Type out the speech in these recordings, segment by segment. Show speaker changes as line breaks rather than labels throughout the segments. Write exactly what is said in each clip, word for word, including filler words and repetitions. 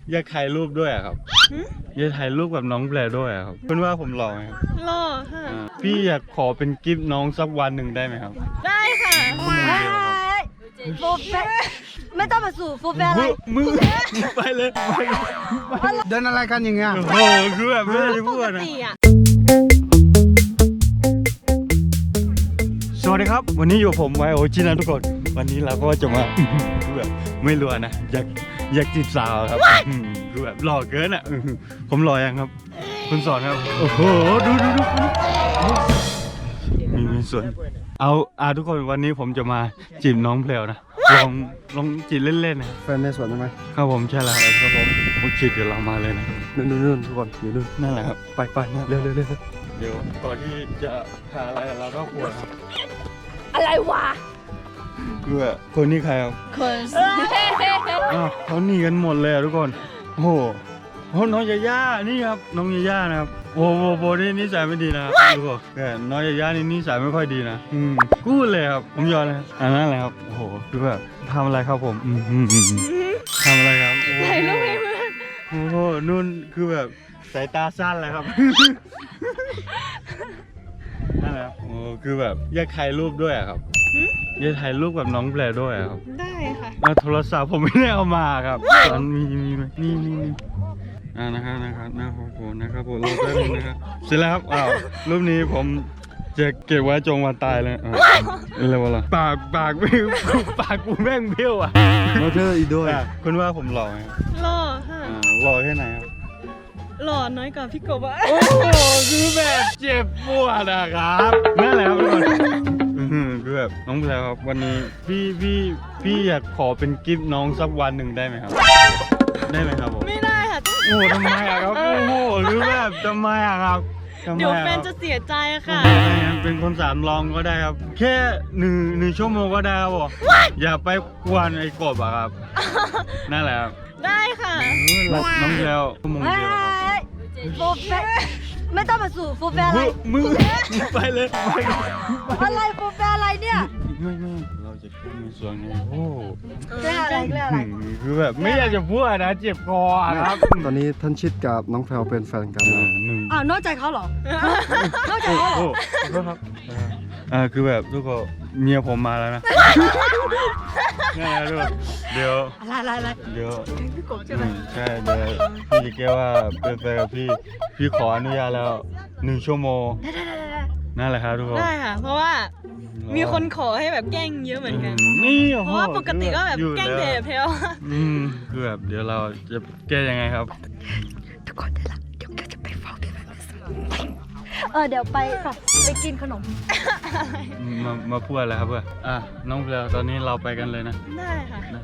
อยากถ่ายรูปด้วยครับอยากถ่ายรูปกับน้องแพรด้วยครับเพื่อนว่าผมหล่อไหมครับ
หล่อค่ะ
พี่อยากขอเป็นกิฟต์น้องสักวันหนึ่งได้ไหมครับ
ได้ค่ะ
โฟเฟไม่ต้องมาสู่โฟเฟอะไร
มึงไปเลยไปเลย
เดินอะไรกันอย่างเงี้ย
โอ้โหคือแบบไม่ได้พูดนะ สวัสดีครับวันนี้อยู่ผมไวโอจินะทุกคนวันนี้เราก็จะมา คือแบบไม่รู้นะอยากอยากจีบสาวครับคือแบบหล่อเกินอ่ะผมหล่อยังครับคุณสอนครับโอ้โหดูดูดูมีมีส่วนเอาอ่าทุกคนวันนี้ผมจะมาจีบน้องเพลวนะลองลองจีบเล่นๆนะ
แฟนในสวนใช่ไหม
ครับผมใช่แล้วครับผมโอเคเดี๋ยวเรามาเลยนะ
นู่นนู่นทุกคนอยู่นู่น
นั่นแหละครับ
ไปไปเร็วเร็วเร็ว
เดี๋ยวก่อนที่จะหาอะไรเราก็ควรครับ
อะไรวะ
คือแบบคนนี้ใครครับ
คน
อ้าวเขาหนีกันหมดเลยอะทุกคนโอ้โหโอ้น้องยาย่านี่ครับน้องยาย่านะครับโอ้โหโบนี่นิสัยไม่ดีนะครับทุกคนแต่น้องยาย่านี่นิสัยไม่ค่อยดีนะอืมกู้เลยครับผมยอมเลยอันนั้นแหละครับโอ้โหคือแบบทำอะไรครับผมอืมอืมอืมทำอะไรครับโอ้โห
ถ่ายรูปให้เพื่อน
โอ้โหนุ่นคือแบบสายตาสั้นเลยครับ นั่นแหละครับโอ้คือแบบอยากถ่ายรูปด้วยอะครับอยากถ่ายรูปกับน้องแพรด้วยอะครับ
ได้ค่ะ
อ่ะโทรศัพท์ผมไม่ได้เอามาครับตอนมีมีไหมนี่นี่นี่อ่านะครับนะครับนะครับผมนะครับผมรอแป๊บนึงนะครับเสร็จแล้วครับอ้าวรูปนี้ผมจะเก็บไว้จงวันตายเลยอ่าอะไรวะล่ะปากปากไม่ปากกูแม่งเบี้ยวอ่ะ
เราเธออีกด้วย
อ่ะคุณว่าผมหล่อไหมครับ
หล่อค่ะ
อ่าหล่อแค่ไหนครับ
หล่อน้อยกว่าพี่กบอะ
โอ้โหคือแบบเจ็บปวดนะครับนั่นแหละครับทุกคนอื้อหือคือแบบน้องแพรวครับวันนี้พี่พี่พี่อยากขอเป็นกิฟต์น้องสักวันหนึ่งได้ไหมครับ ได้ไหมครับผม
ไม่ได้ค่ะ
โอ้ทำไมอะครับโอ้โหหรือแบบทำไมอะครับทำไม
เดี๋ยว
อะ
แฟ
ครับ
นจะเสียใจค่ะ
เป็นคนสามรองก็ได้ครับ แค่หนึ่งหนึ่งชั่วโมงก็ได้ครับผมอย่าไปกวนไอ้กบอะครับนั่นแหละครับ
ได้ค่ะ
รักน้องแพรวชั่วโมงเดียวครับ
โฟเฟไม่ต้องมาสู่โฟเฟอะไร
มึงมึงไปเลยไปเลย
อะไรโฟเฟอะไรเนี่ย
ไม่ไม่เราจะขึ้นในส่วนนี้โอ้
เรื่องอะไรเรื่องอะไร
คือแบบไม่อยากจะพูดนะเจ็บคออะครับ
ตอนนี้ท่านชิดกับน้องแพรวเป็นแฟนกัน
อ่า
นะ
หนึ่ง
อ้าวนอกใจเขาเหรอ นอกใจเขาเหรอ
โอ้ขอโทษครับอ่าคือแบบทุกคนเมียผมมาแล้วนะนี่นแหละทุกคนเดี๋ยว
อะไรอะไรอะไร
เดี๋ยว
พี่กบใช่ไหม
อืมใช่เดี๋ยวพี่จะแก้ว่าเป็นแฟนกับพี่พี่ขออนุญาตแล้วหนึ่งชั่วโมง
ได้ได้ได้ได้
นั่นแหละครับทุกคน
ได้ค่ะ เพราะว่ามีคนขอให้แบบแกล้งเยอะเหมือนกัน
นี่โอ้
เพ
โห
ราะว่าปกติก็แบบ
อยู่
แกล้ง
ล้ว
เดทเพลว
อืมคือแบบเดี๋ยวเราจะแก้ยังไงครับ
ทุกคนได้ละเดี๋ยวเราจะไปเฝ้าพี่แฟนเออเดี๋ยวไปค่ะไปกินขนม
มามาพูดอะไรครับเพื่อนอ่ะน้องเพลตอนนี้เราไปกันเลยนะ
ได้ค่ะ
นะ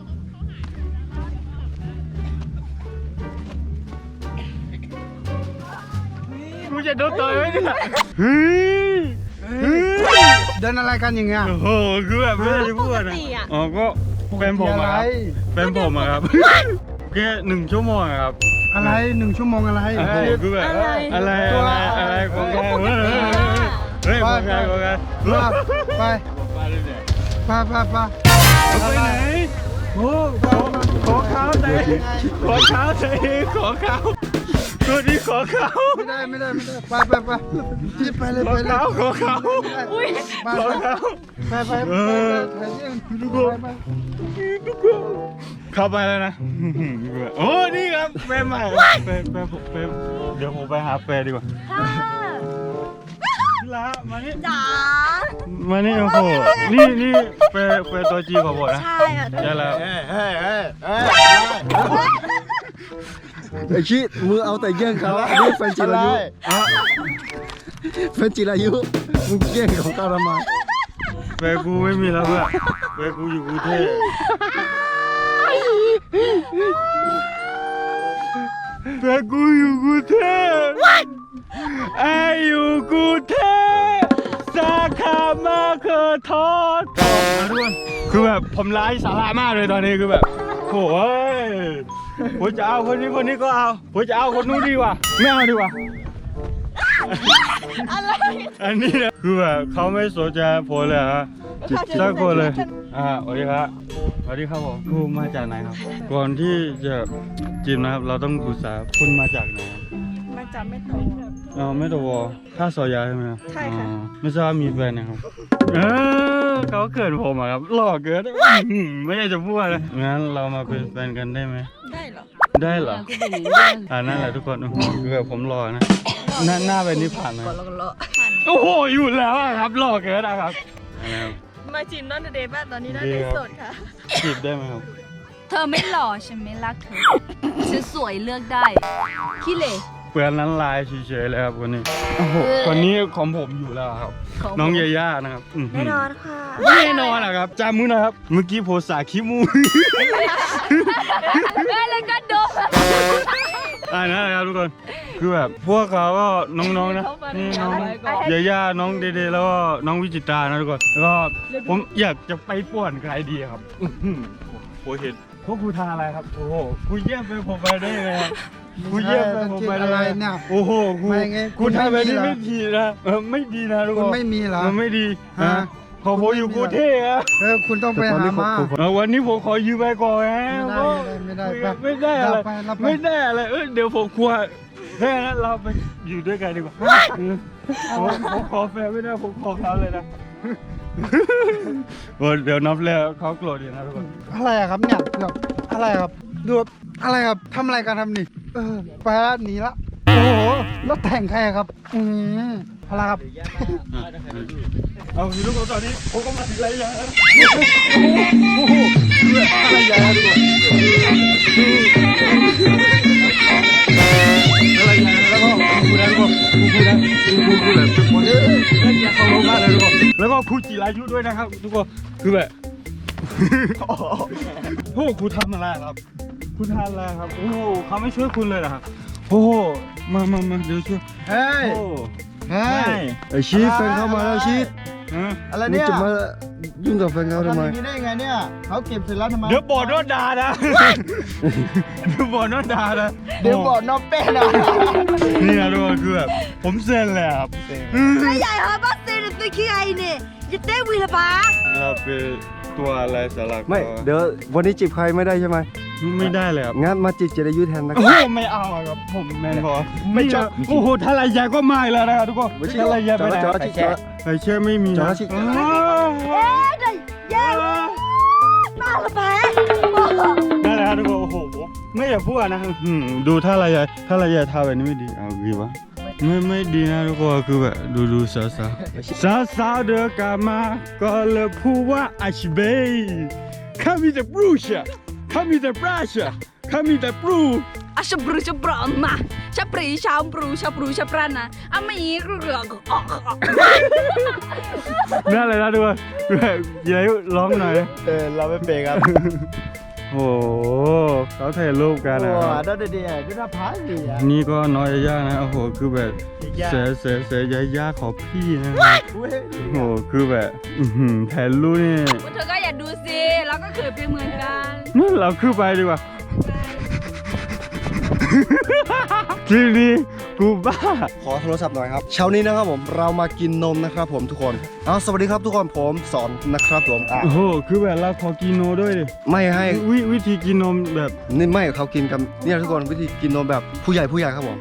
กูจะโดนต่อยไหมเนี่ยเฮ้ยเฮ้ย
เดินอะไรกันอย่างเงี้ย
โอ้โหคือแบบไม่ได้พูดนะอ๋อก็แฟนผมอะครับแฟนผมอะครับแค่หนึ่งชั่วโมงอะครับ
อะไรหนึ่งชั่วโมงอะไร
โอ้โหคือแบบ
อะไร
อะไรอะไรอะไรของแกเฮ้ยเฮ้ยของแกของแก
ไปไป
ไปเลยเนี่ย
ไปไปไป
ไปไหนโอ้ขอขอเขาใจขอเขาใจขอเขาตัวนี้ขอเขา
ไม่ได้ไม่ได้ไม่ได้ไปไปไปรีบไปเลย
ขอ
ไปเลย
เขาขอเขา
อุ้ย
ไป
ขอเขา
ไปไปไป
เออ
ทุกคน
เข้าไปแล้วนะโอ้นี่ครับแฟนใหม่แฟนแฟนแฟนเดี๋ยวผมไปหาแฟนดีกว่า
ค่ะ
ละมานี่
จ๋า
มานี่โอ้โหนี่นี่แฟนแฟนตัวจีของผมนะ
ใช่ค่ะ
ใช่แล้ว
ไอชิมือเอาแต่แย่งเขาอันนี้แฟนจิรายุ
อ่ะ
แฟนจิรายุมึงแย่งของเขาทำไม
แฟนกูไม่มีแล้วเพื่อนแฟนกูอยู่กรุงเทพแฟนกูอยู่กรุงเทพไออยู่กรุงเทพสาขามาเคอทอดทุกคนคือแบบผมไร้สาระมากเลยตอนนี้คือแบบโอ้ยผมจะเอาคนนี้คนนี้ก็เอาผมจะเอาคนนู้นดีกว่าไม่เอาดีกว่า
อะไร
อันนี้นะคือแบบเขาไม่สนใจผมเลยฮะสักคนเลยอ่าสวัสดีครับสวัสดีครับผมคุณมาจากไหนครับ ก่อนที่จะจีบนะครับ เราต้องปรึกษาคุณมาจากไหนครับ
มาจากไม่โต
อ๋อไม่ตัววอท่าซอยยาใช่ไหมครับ
ใช่ค่ะ
อ๋อไม่ทราบมีแฟนนะครับเออเขาเกิดผมอะครับหล่อเกินอื้อหือไม่อยากจะพูดเลยงั้นเรามาเป็นแฟนกันได้ไหม
ได้เหรอ
ได้เหรออ่านั่นแหละทุกคนโอ้โหคือแบบผมรอนะหน้าหน้าเป็นนิพพานนะโอ้โหอยู่แล้วอะครับหล่อเกินนะครับนะครับ
มาจีบน้องเดย์บ้านตอนนี้น้องเดย์โสดค่ะ
จีบได้ไหมครับ
เธอไม่หล่อฉันไม่รักเธอฉันสวยเลือกได้ขี้เหร่
เปลือนนั้นลายเฉยๆเลยครับคนนี้โอ้โหคนนี้ของผมอยู่แล้วครับ น้องยาย่านะครับแน่นอนค่ะแน่นอนอะครับจามุนะครับ เมื่อกี้โพสาคิมู
แล้วก็ดม
อ่านั่นแหละครับทุกคนคือแบบพวกเขาก็น้องๆนะนี่น้องยาย่าน้องเดเดแล้วก็น้องวิจิตรานะทุกคนแล้วก็ผมอยากจะไปป่วนใครดีครับอื้อหือโอ้โหเห็นพวกครูทาอะไรครับโอ้โหคุณเยี่ยมไปผมไปได้ไงครับคุณเยี่ยมไปผมไปได้
อะไร
ไง
เนี่ย
โอ้โหคุณ
ไม่ไง
คุณทำแบบนี้
คุณไม่
ไม่
มี
ดีนะเออไม่ดีนะทุกค
คุณ
น
ไม่มีเหรอ
มันไม่ดี
ฮะ
ฮะขอผมอยู่กรุงเทพอะ
เออคุณต้องไปหามา
เออวันนี้ผมขอยืมไปก่อนนะ
ไม่ได้ไม่ได้
ไม่ได้อะไร
รับไปรับไป
ไม่ได้อะไรเออเดี๋ยวผมกลัวแค่นั้นเราไปอยู่ด้วยกันดีกว่าเออผมผมขอแฟนไม่ได้ผมขอเขาเลยนะโอ้เดี๋ยวนับแล้วเขาโกรธอยู่นะทุกคน
อะไรอะครับเนี่ยแบบอะไรครับดูแบบอะไรครับทำอะไรกันทำนี่เออไปแล้วหนีละโอ้โหแล้วแต่งใครอะครับอืมอะไรครับ
เอาพี่ลูกตอนนี้ผมก็มาถึงไรยาแล้วโอ้โหอะไรยาทุกคนอะไรยาแล้วก็กูนะทุกคนกูนะกูกูกูแบบเป็นคนเล่นยาเขาลงมาเลยทุกคนแล้วก็ครูจิรายุด้วยนะครับทุกคนคือแบบโอ้โหครูทำอะไรครับคุณทำอะไรครับโอ้โหเขาไม่ช่วยคุณเลยเหรอครับโอ้โหมามามาเดี๋ยวช่วย
เฮ้ย
โอ้
เฮ้ย
ไอชีตแฟนเขามาแล้วชีต
ฮะ
อะไรเนี่ย
มึงจะมายุ่งกับแฟนเขาทำ
ทำอ
ไม
ย่างนี้ได้ยังไงเนี่ยเขาเก็บเสร็จแล้วทำไม
เดี๋ยวบอดโดนด่านะ เดี๋ยวบอดโดนด่านะ
เดี๋ยวบอกน้องเป้นะ
นี่นะทุกคนคือแบบผมเซ็นแล้วครับ
ใหญ่ฮะบ้าเซนตัวขี้ไอเนี่ยจะเต้วีละปะ
เราเป็นตัวอะไรสลัก
ไม่ เดี๋ยววันนี้จีบใครไม่ได้ใช่ไหม
ไม่ได้เลยครับ
งั้นมาจีบเจริยุแทนนะค
โอ้
รับ
โหไม่เอาอะครับผมแมนบอไม่ชอบโอ้โหทารายาก็ไม่แล้วนะครับทุกคนทารายาไปไหน
จอดจอด
ไอเชื่อไม่มี
จอ
นะ
ดชิ
อ้าว
เอ๊ะเดี๋ยวแย่มาละปะ
นั่นแหละครับทุกคนโอ้โหไม่อยากพูดนะอืมดูทารายาทารายาทาแบบนี้ไม่ดีเอาดีวะไม่ไม่ดีนะทุกคนคือแบบดูดูสาวสาวสาวสาวเดินกลับมาก็เลยพูดว่าอาชิเบย์ข้ามีแต่บรูชอะข้ามีแต่บราชอะข้ามีแต่บรู
อ่ะชับรูชับรอมมาชับปรีชาวปรูชับรูชับรันนะอ่ะไม่อีกเรื่องก็ออก
นั่นเลยนะทุกคนแบบยายร้องหน่อย
เออเราไม่เป็นครับ
โอ้โหเขาถ่ายรูปกัน
โอ้
นะ
โห
ครับ
ได้ดีอ่ะก็น่าพักดีอ่ะ
นี่ก็น้อยยานะโอ้โหคือแบบ
ยา
เสียเสียเสียยายาขอพี่นะครับโอ้โหคือแบบอื้อหือถ่ายรูปนี่
พวกเธอก็อย่าดูสิเราก็เขินไปเหมือนกัน
นั่นเราขึ้นไปดีกว่า ทีนี้กูบ้า
ขอโทรศัพท์หน่อยครับ เช้านี้นะครับผม เรามากินนมนะครับผมทุกคนเอาสวัสดีครับทุกคน ผมสอนนะครับผมอ่ะ
โอ้โหคือแบบเราขอกินโนด้วยดิ
ไม่ให้
วิวิธีกินนมแบบ
นี่ไม่เขากินกันเนี่ยทุกคนวิธีกินนมแบบผู้ใหญ่ผู้ใหญ่ครับผม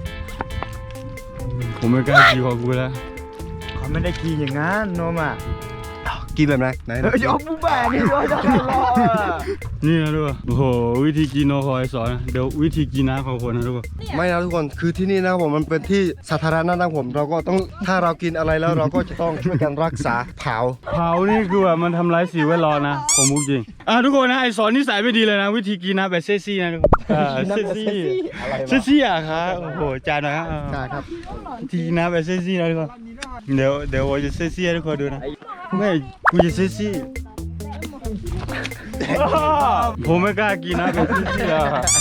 ผมไม่กล้ากินของกูแล้ว
เขาไม่ได้กินอย่างนั้นนมอ่ะ
กินแบบไหนไหน
เออเอาบูแบะนี่ด้วยจะรออ่ะ
นี่นะทุกคนโอ้โหวิธีกินโนคอยสอนนะเดี๋ยววิธีกินน้ำของคนนะทุกคน
ไม่นะทุกคนคือที่นี่นะครับผมมันเป็นที่สาธารณะนะครับผมเราก็ต้องถ้าเรากินอะไรแล้วเราก็จะต้องช่วยกันรักษาเผา
เผานี่คือแบบมันทำร้ายสิ่งแวดล้อมนะผมพูดจริงอ่ะทุกคนนะไอสอนนิสัยไม่ดีเลยนะ วิธีกินน้ำแบบเซ็กซี่นะทุกคนอ่าเซ็กซี่
อะไร
เซ็กซี่อ่ะครับโอ้โหจานหน่อยครับ
ใช่ครับ
วิธีกินน้ำแบบเซ็กซี่นะทุกคนเดี๋ยวเดี๋ยวผมจะเซ็กซี่ให้ทุกคนดูนะไม่กูจะเซ็กซี่ผมไม่กล้ากินนะแบบเซ็กซี่อ่ะครับ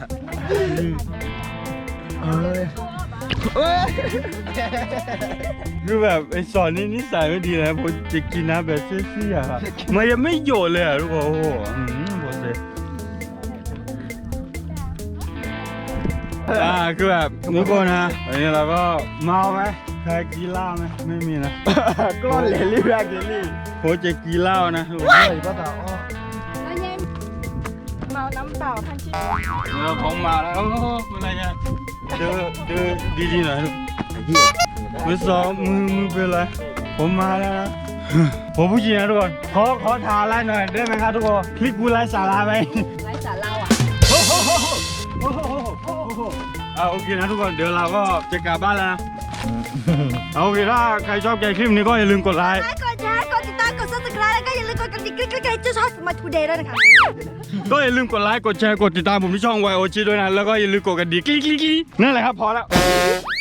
คือแบบไอสอนนี่นิสัยไม่ดีนะผมจะกินน้ำแบบเซี่ยๆอะมันยังไม่โยนเลยอ่ะทุกคนโอ้โหอืมโหเซ่อ่าคือแบบทุกคนนะวันนี้เราก็เมาไหมใครกินเหล้าไหมไม่มีนะ
กล้อนเลลี่แบกเลลี่
โคจะกินเหล้านะทุกคน
ใช่ป้าตาอ้อ
แล้วยังเมาน้ำเปล่าพันชิ
เราของมาแล้วโอ้โหอะไรเนี่ยเดินเดินดีๆหน่อยลูก
ไอ้เหี้ย
มือสองมือมือเป็นไรผมมาแล้วนะ ผมผู้หญิงนะทุกคนขอขอทาไลน์หน่อยได้ไหมครับทุกคนคลิปกูไลฟ์สาระไหม
ไร้สาระอ่ะ
เอาโอเคนะทุกคนเดี๋ยวเราก็จะกลับบ้านแล้วนะ เอาโอเคถ้าใครชอบใจคลิปนี้ก็อย่าลืมกดไลค์
กดแชร์กดติดตามกด ซับสไครบ์ แล้วก็อย่าลืมกดกระดิ่งกริ๊กๆๆจะชอบมาทูเดย์ด้วยนะคะ
ก็อย่าลืมกดไลค์กดแชร์กดติดตามผมที่ช่อง วาย โอ จี ด้วยนะแล้วก็อย่าลืมกดกระดิ่งกิ๊งๆๆนั่นแหละครับพอแล้ว